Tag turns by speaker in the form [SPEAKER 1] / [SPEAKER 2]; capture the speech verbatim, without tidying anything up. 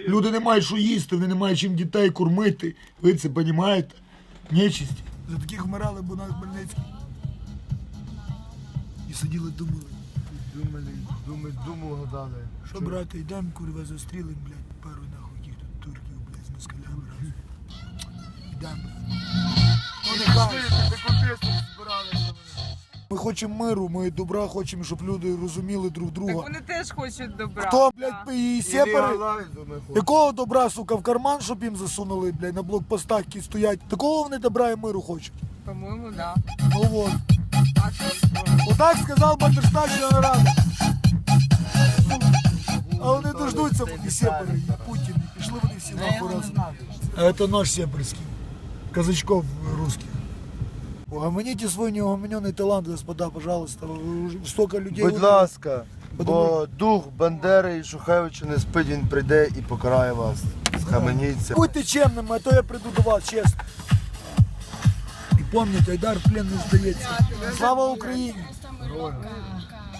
[SPEAKER 1] Люди не мають що їсти, вони не мають чим дітей кормити. Ви це розумієте? Нечисть. За таких вмирали б у нас Хмельницький. І сиділи, думали.
[SPEAKER 2] Думали, думали, думали, гадали.
[SPEAKER 1] Що, брати, йдемо, курва, застрілим, блядь, пару нахуй тих тут турків, блядь, з москалями разом. Йдемо. Ну, нехай. Ми хочемо миру, ми добра хочемо, щоб люди розуміли друг
[SPEAKER 3] Так
[SPEAKER 1] друга.
[SPEAKER 3] вони теж хочуть добра.
[SPEAKER 1] Хто,
[SPEAKER 3] Да.
[SPEAKER 1] блядь, і сепари? Якого добра, сука, в карман, щоб їм засунули, блядь, на блокпостах, які стоять? Такого вони добра і миру хочуть.
[SPEAKER 3] По-моєму, да.
[SPEAKER 1] Ну вот.
[SPEAKER 3] А що?
[SPEAKER 1] Отак сказав Бандерштатська рада. А вони дождуться, поки сепари, і Путін, і пішли вони всі нахуй разом. А це наш сепарський. Казачков русских. Угомоните свой неугомоненный талант, господа, пожалуйста. Уже столько людей.
[SPEAKER 2] Будь ласка, бо
[SPEAKER 1] Подумай.
[SPEAKER 2] дух Бандери і Шухевича не спить, він прийде і покарає вас. Схаменіться.
[SPEAKER 1] Будьте чемними, а то я приду до вас, чесно. І пам'ятайте, Айдар в плен не здається. Слава Україні!
[SPEAKER 2] Героям.